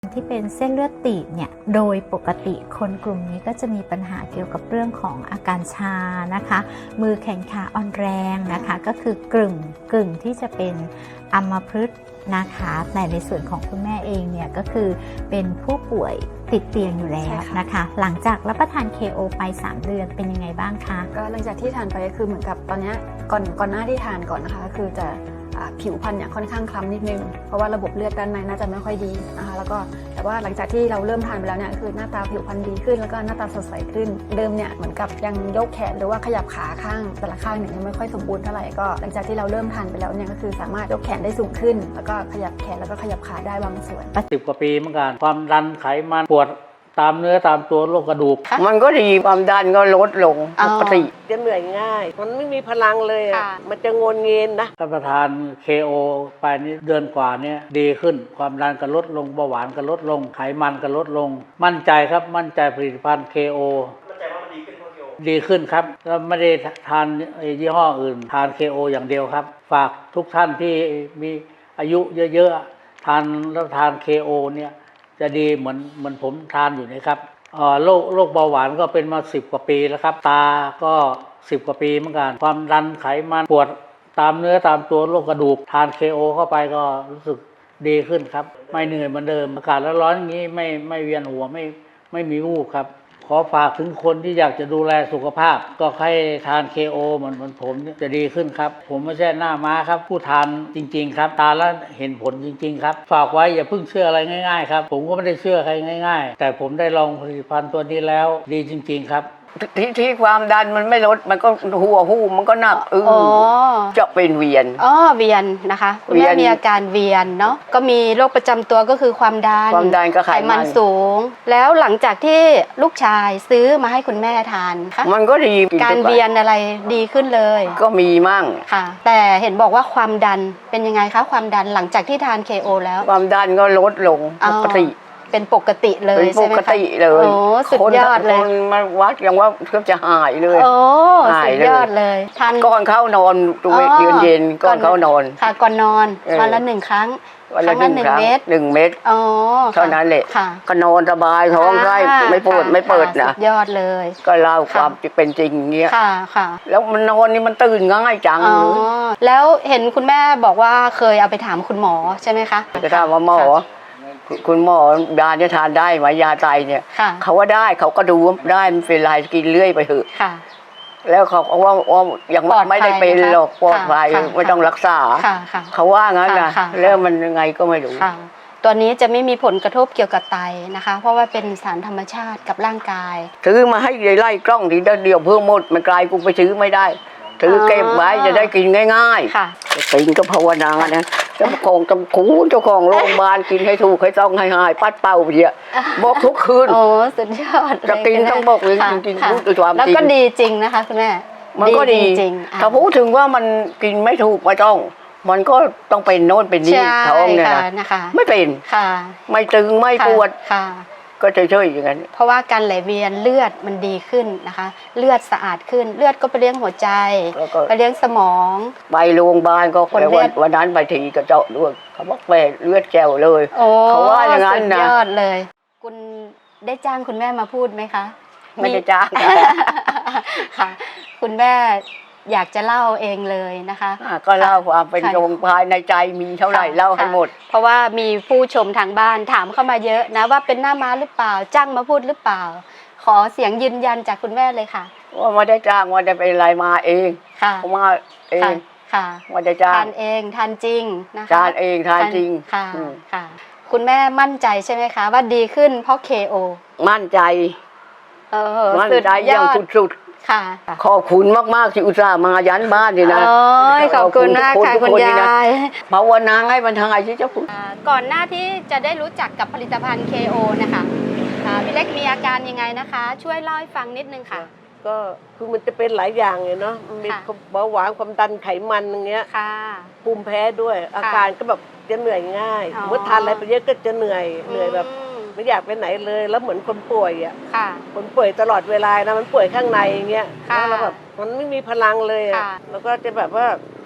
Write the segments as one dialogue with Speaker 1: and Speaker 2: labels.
Speaker 1: ที่เป็นเส้นเลือดตีบเนี่ยโดยปกติคนกลุ่มนี้ก็จะมีปัญหาเกี่ยวกับเรื่องของอาการชานะคะมือแขนขาอ่อนแรงนะคะก็คือกึ่งที่จะเป็นอัมพฤกษ์นะคะแต่ในส่วนของคุณแม่เองเนี่ยก็คือเป็นผู้ป่วยติดเตียงอยู่แล้วนะคะหลังจากรับประทาน KO ไป3 เดือนเป็นยังไงบ้างคะ
Speaker 2: ก็หลังจากที่ทานไปก็คือเหมือนกับตอนนี้ก่อนหน้าที่ทานก่อนนะคะก็คือจะผิวพรรณเนี่ยค่อนข้างคล้ำนิดนึงเพราะว่าระบบเลือดด้านในน่าจะไม่ค่อยดีนะคะแล้วก็แต่ว่าหลังจากที่เราเริ่มทานไปแล้วเนี่ยคือหน้าตาผิวพรรณดีขึ้นแล้วก็หน้าตาสดใสขึ้นเดิมเนี่ยเหมือนกับยังยกแขนหรือว่าขยับขาข้างแต่ละข้างเนี่ยยังไม่ค่อยสมบูรณ์เท่าไหร่ก็หลังจากที่เราเริ่มทานไปแล้วเนี่ยก็คือสามารถยกแขนได้สูงขึ้นแล้วก็ขยับแขนแล้วก็ขยับขาได้บางส่วน
Speaker 3: 10 กว่าปีเหมือนกันความดันไขมันปวดตามเนื้อตามตัวโรคกระดูก
Speaker 4: มันก็ดีความดันก็ลดลงปกติ
Speaker 5: จะเหนื่อยง่ายมันไม่มีพลังเลยมันจะงนเงินนะ
Speaker 3: รับประทาน KO ไปนี่เดือนกว่านี้ดีขึ้นความดันก็ลดลงเบาหวานก็ลดลงไขมันก็ลดลงมั่นใจครับมั่นใจผลิตภัณฑ์ KO มั่นใจว่ามันดีขึ้นเพราะ KO ดีขึ้นครับแล้วไม่ได้ทานยี่ห้ออื่นทาน KO อย่างเดียวครับฝากทุกท่านที่มีอายุเยอะๆทาน KO เนี่ยจะดีเหมือนผมทานอยู่นะครับโรคเบาหวานก็เป็นมา10 กว่าปีแล้วครับตาก็10 กว่าปีเหมือนกันความดันไขมันปวดตามเนื้อตามตัวโรคกระดูกทาน KO เข้าไปก็รู้สึกดีขึ้นครับไม่เหนื่อยเหมือนเดิมอากาศร้อนๆอย่างนี้ไม่เวียนหัวไม่มีวูบครับขอฝากถึงคนที่อยากจะดูแลสุขภาพก็ให้ทาน KO เหมือนผมจะดีขึ้นครับผมไม่ใช่หน้าม้าครับผู้ทานจริงๆครับทานแล้วเห็นผลจริงๆครับฝากไว้อย่าเพิ่งเชื่ออะไรง่ายๆครับผมก็ไม่ได้เชื่อใครง่ายๆแต่ผมได้ลองผลิตภัณฑ์ตัวนี้แล้วดีจริงๆครับ
Speaker 4: ที่ความดันมันไม่ลดมันก็หัวหูมันก็หนักจะเป็นเวียน
Speaker 6: เวียนนะคะคุณแม่มีอาการเวียนเนาะก็มีโรคประจำตัวก็คือความดัน
Speaker 4: กับไข
Speaker 6: มันสูงแล้วหลังจากที่ลูกชายซื้อมาให้คุณแม่ทานค่ะ
Speaker 4: มันก็ดี
Speaker 6: การเวียนอะไรดีขึ้นเลย
Speaker 4: ก็มีมั่ง
Speaker 6: ค่ะแต่เห็นบอกว่าความดันเป็นยังไงคะความดันหลังจากที่ทาน KO แล้ว
Speaker 4: ความดันก็ลดลงปกติ
Speaker 6: เป็นปกติเลยใช่ไหมคะ
Speaker 4: เป็นปกติเลย
Speaker 6: โอ้สุดยอดเลย
Speaker 4: คนมาวัดยังว่าเกือบจะหายเลย
Speaker 6: โอ้สุดยอดเลย
Speaker 4: ทานก่อนเข้านอนตัวเย็นก่อนเข้านอน
Speaker 6: ค่ะก่อนนอนวันละ1 ครั้ง
Speaker 4: วันละ1 เม็ด1 เม็ดเท่านั้นแหละก็นอนสบายท้องไส้ไม่ปวดไม่เปิดนะ
Speaker 6: สุดยอดเลย
Speaker 4: ก็เล่าความเป็นจริงเงี้ย
Speaker 6: ค่ะ
Speaker 4: แล้วมันนอนนี่มันตื่นง่ายจัง
Speaker 6: แล้วเห็นคุณแม่บอกว่าเคยเอาไปถามคุณหมอใช่ไหมคะ
Speaker 4: จะถามว่าหมอคุณหมอยาจะทานได้ไหมยาไตเนี่ยเขาว่าได้เขาก็ดูได้มันเป็นไรกินเรื่อยไปเถอะแล้วเขาว่ายังไม่ได้เป็นหรอกปลอดภัยไม่ต้องรักษาเขาว่างั้นนะแล้วมันยังไงก็ไม่รู้
Speaker 6: ตัวนี้จะไม่มีผลกระทบเกี่ยวกับไตนะคะเพราะว่าเป็นสารธรรมชาติกับร่างกาย
Speaker 4: ถือมาให้ไล่กล้องทีเดียวเพิ่มหมดมันไกลกูไปซื้อไม่ได้ถือเก็บไว้จะได้กินง่ายๆกินก็ภาวนานะเจ้าของโรงพยาบาลกินให้ถูกให้ต้องให้หายปัดเป่าเดียบอกทุกคืน
Speaker 6: โอ้สุดยอด
Speaker 4: จะกินต้องบอกเลยจริงๆพูดด้วยความจริง
Speaker 6: แล้วก็ดีจริงนะคะคุณแม่
Speaker 4: มันก็ดีจริงถ้าพูดถึงว่ามันกินไม่ถูกไม่ต้องมันก็ต้องเป็นโน่นเป็นนี่ท้องเนี่ยนะไม่เป็นไม่ตึงไม่ปวดก็เฉยๆอย่างนั้น
Speaker 6: เพราะว่าการไหลเวียนเลือดมันดีขึ้นนะคะเลือดสะอาดขึ้นเลือดก็ไปเลี้ยงหัวใจไปเลี้ยงสมอง
Speaker 4: ไปโรงพยาบาลก็วันนั้นไปทีก็เจาะด้วยเขาบอกแปเลือดแก้วเลยเขาว่าอย่างนั้นนะ
Speaker 6: สุดยอดเลยคุณได้จ้างคุณแม่มาพูดไหมคะ
Speaker 4: ไม่ได้จ้าง
Speaker 6: ค่ะคุณแม่อยากจะเล่าเองเลยนะคะ
Speaker 4: ก็เล่าความเป็นโรงภายในใจมีเท่าไหร่เล่าให้หมด
Speaker 6: เพราะว่ามีผู้ชมทางบ้านถามเข้ามาเยอะนะว่าเป็นหน้าม้าหรือเปล่าจ้างมาพูดหรือเปล่าขอเสียงยืนยันจากคุณแม่เลยค่ะ
Speaker 4: ว่าไม่ได้จ้างว่าได้เป็นอะไรมาเองมาเอง
Speaker 6: ค่ะ
Speaker 4: ไม่ได้จ้าง
Speaker 6: ทานเองทานจริงนะคะ
Speaker 4: ทานเองทานจริง
Speaker 6: ค่ะคุณแม่มั่นใจใช่ไหมคะว่าดีขึ้นเพราะ KO
Speaker 4: มั่นใจมั่นใจอย่างสุดขอบคุณมากๆที่อุตส่าห์มายันบ้านนี่นะ
Speaker 6: ขอบคุณมากค่ะคุณยาย
Speaker 4: ภาวนาให้มันทายที่เจ้าคุณ
Speaker 6: ก่อนหน้าที่จะได้รู้จักกับผลิตภัณฑ์ KO นะคะพี่เล็กมีอาการยังไงนะคะช่วยเล่าให้ฟังนิดนึงค่ะ
Speaker 5: ก็คือมันจะเป็นหลายอย่างเลยเนาะมีเบาหวานความดันไขมันอย่างเงี้ยภูมิแพ้ด้วยอาการก็แบบจะเหนื่อยง่ายเมื่อทานอะไรไปเยอะก็จะเหนื่อยแบบไม่อยากไปไหนเลยแล้วเหมือนคนป่วยอ่ะคนป่วยตลอดเวลานะมันป่วยข้างในอย่างเงี้ยแล้วแบบมันไม่มีพลังเลยอ่ะแล้วก็จะแบบว่า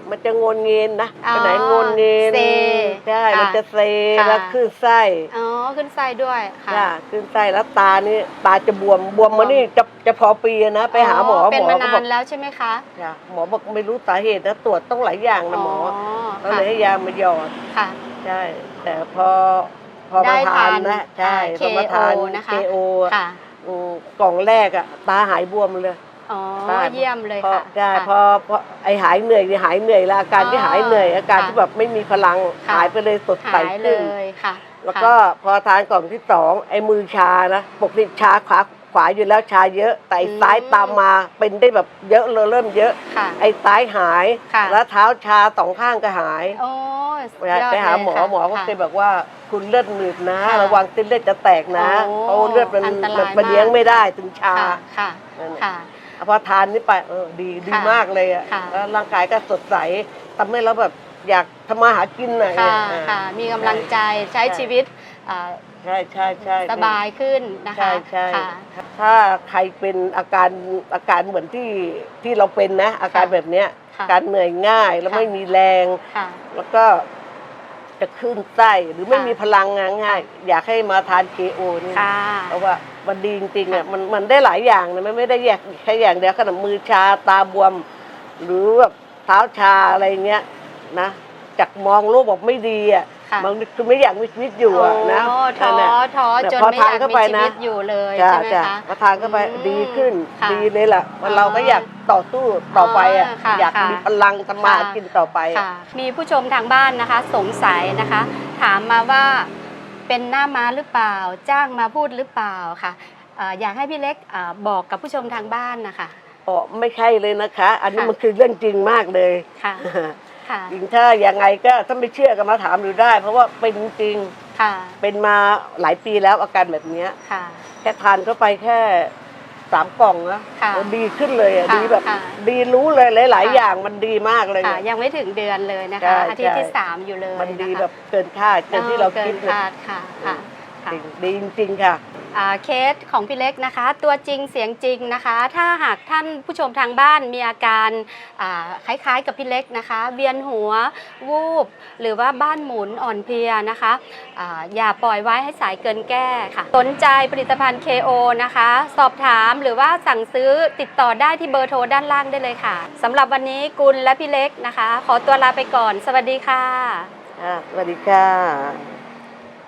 Speaker 5: มันจะงนเงินนะ
Speaker 6: อ๋อ
Speaker 5: ไปไหนงนเงิน
Speaker 6: เซ
Speaker 5: ใช่
Speaker 6: ค่ะ
Speaker 5: มันจะเซ
Speaker 6: ค่ะ
Speaker 5: แล้วขึ้นไส้
Speaker 6: อ๋อขึ้นไส้ด้วยค่ะ
Speaker 5: จ้ะขึ้นไส้แล้วตานี่ตาจะบวมมานี่จะพอปีนะไปหาหมอ
Speaker 6: เป็น
Speaker 5: หม
Speaker 6: มา
Speaker 5: อก็
Speaker 6: นา
Speaker 5: บอก
Speaker 6: นแล้วใช่ไหมคะ
Speaker 5: จ้ะหมอบอกไม่รู้สาเหตุนะตรวจต้องหลายอย่างนะหมอก็เลยให้ยามาหยอด
Speaker 6: ค่ะ
Speaker 5: ใช่ แต่พอมาทานนะใช่พอมาทาน
Speaker 6: นะคะ
Speaker 5: KO
Speaker 6: ค่ะ
Speaker 5: กล่องแรกอะตาหายบวมเลย
Speaker 6: อ๋อ
Speaker 5: ใช่
Speaker 6: เยี่ยมเลย
Speaker 5: พอ
Speaker 6: ค่ะ
Speaker 5: ใช่
Speaker 6: ค่ะ
Speaker 5: พอไอหายเหนื่อยนี่หายเหนื่อยแล้วอาการที่หายเหนื่อยอาการ
Speaker 6: ค่ะ
Speaker 5: ที่แบบไม่มีพลัง
Speaker 6: ค่ะ
Speaker 5: หายไปเลยสดใส
Speaker 6: หายเล
Speaker 5: ขึ้น
Speaker 6: ยค่ะ
Speaker 5: แล้วก็พอทานกล่องที่2ไอ้มือชานะปกติชาขวาอยู่แล้วชาเยอะ แต่ไอ้ซ้ายตามมาเป็นได้แบบเยอะเลยเริ่มเยอะ
Speaker 6: ค่ะ
Speaker 5: ไอ้ซ้ายหาย
Speaker 6: ค่ะ
Speaker 5: แล้วเท้าชา2ข้างก็หาย
Speaker 6: โอ้ยอด
Speaker 5: ไปหาหมอ
Speaker 6: เลยค่ะ
Speaker 5: หมอก็เคยบอกว่าคุณเลือดหนืดนะ
Speaker 6: ค่ะ
Speaker 5: ระวังเส้นเลือดจะแตกนะ
Speaker 6: โอ้
Speaker 5: เพราะเลือดมัน
Speaker 6: อันตราย
Speaker 5: มันเลี้ยง
Speaker 6: มาก
Speaker 5: ไม่ได้ถึงชา
Speaker 6: ค่ะค่ะ
Speaker 5: นั่นน่ะ
Speaker 6: ค่ะ
Speaker 5: พอทานนี่ไปดี
Speaker 6: ค่ะ
Speaker 5: มากเลยอ่ะ
Speaker 6: ค่ะ
Speaker 5: แล้วร่างกายก็สดใสทำให้เราแบบอยากทำมาหากินหน่อย
Speaker 6: ค่ะ
Speaker 5: อ่า
Speaker 6: ค่ะ มีกำลังใจใช้ชีวิตอ่า
Speaker 5: ใช่ใช่ใช่
Speaker 6: สบายขึ้นนะคะ
Speaker 5: ใช่ใช่
Speaker 6: ค่ะ
Speaker 5: ถ้าใครเป็นอาการเหมือนที่เราเป็นนะ อาการแบบเนี้ย
Speaker 6: ค่ะ
Speaker 5: การเหนื่อยง่ายแล้ว
Speaker 6: ค่ะ
Speaker 5: ไม่มีแรง
Speaker 6: ค่ะ
Speaker 5: แล้วก็จะขึ้นไส้หรือไม่
Speaker 6: ค่ะ
Speaker 5: มีพลังงานง่าย อยากให้มาทาน KO นี่
Speaker 6: ค่ะ
Speaker 5: เพราะว่ามันดีจริงๆอ่ะ
Speaker 6: ค่ะ
Speaker 5: มันได้หลายอย่างนะมันไม่ได้แยกแค่อย่างเดียวขนาดมือชาตาบวม หรือแบบเท้าชาอะไรเงี้ยนะจากมองโลกบอกไม่ดีอ่ะ
Speaker 6: ค่ะ
Speaker 5: มันคือไม่อยากมีชีวิตอยู่อ่ะนะ
Speaker 6: โอ้ท้อ
Speaker 5: นั่นน่ะ
Speaker 6: ท้อ
Speaker 5: แต่
Speaker 6: จน
Speaker 5: พอ
Speaker 6: ไม่อ
Speaker 5: ทาน
Speaker 6: ยาก
Speaker 5: เข้า
Speaker 6: มี
Speaker 5: ไป
Speaker 6: ชี
Speaker 5: นะ
Speaker 6: วิตอยู่เลย
Speaker 5: จ้า
Speaker 6: ใช่ไหม
Speaker 5: จ้า
Speaker 6: คะ
Speaker 5: พอทานเข้าไป
Speaker 6: อืม
Speaker 5: ดีขึ้น
Speaker 6: ค่ะ
Speaker 5: ดีเลยล่ะเราก็อยากต่อสู้ต่อไปอ่ะ
Speaker 6: ค่ะ
Speaker 5: อยาก
Speaker 6: ค่ะ
Speaker 5: มีพลังทำมาหา
Speaker 6: ค่ะ
Speaker 5: กินต่อไปอะ
Speaker 6: ค่ะ มีผู้ชมทางบ้านนะคะสงสัยนะคะ ถามมาว่าเป็นหน้าม้าหรือเปล่า จ้างมาพูดหรือเปล่าค่ะอยากให้พี่เล็กบอกกับผู้ชมทางบ้านนะคะ
Speaker 5: อ๋อไม่ใช่เลยนะคะ อันนี้
Speaker 6: ค่ะ
Speaker 5: มันคือเรื่องจริงมากเลย
Speaker 6: ค่ะค่ะ
Speaker 5: จริงถ้ายังไงก็ถ้าไม่เชื่อก็มาถามดูได้ เพราะว่าเป็นจริง
Speaker 6: ค่ะ
Speaker 5: เป็นมาหลายปีแล้วอาการแบบเนี้ย
Speaker 6: ค่ะ
Speaker 5: แค่ทานเข้าไปแค่3 กล่องนะ
Speaker 6: ค่ะ
Speaker 5: โอ้ดีขึ้นเลยอ่ะ
Speaker 6: ค่ะ
Speaker 5: ดีแบบ
Speaker 6: ค่ะ
Speaker 5: ดีรู้เลยหลาย
Speaker 6: ค่ะ
Speaker 5: ๆ อย่างมันดีมากเลย
Speaker 6: ค่ะ
Speaker 5: อะ
Speaker 6: ยังไม่ถึงเดือนเลยนะ
Speaker 5: ใช่
Speaker 6: คะ อาทิตย์ที่
Speaker 5: ใช่
Speaker 6: 3 อยู่เลย
Speaker 5: มันดี
Speaker 6: ะคะ
Speaker 5: แบบเกินคาดเกินที่เราคิด
Speaker 6: เกิน
Speaker 5: เลย
Speaker 6: คาดค่ะค่ะค่ะ
Speaker 5: ดีจริงๆค่ะ
Speaker 6: เคสของพี่เล็กนะคะ ตัวจริงเสียงจริงนะคะ ถ้าหากท่านผู้ชมทางบ้านมีอาการคล้ายๆกับพี่เล็กนะคะ เวียนหัววูบหรือว่าบ้านหมุนอ่อนเพลียนะคะอย่าปล่อยไว้ให้สายเกินแก้ค่ะสนใจผลิตภัณฑ์ KO นะคะ สอบถามหรือว่าสั่งซื้อติดต่อได้ที่เบอร์โทรด้านล่างได้เลยค่ะสำหรับวันนี้กุลและพี่เล็กนะคะ ขอตัวลาไปก่อนสวัสดีค่ะ
Speaker 5: สวัสดีค่ะ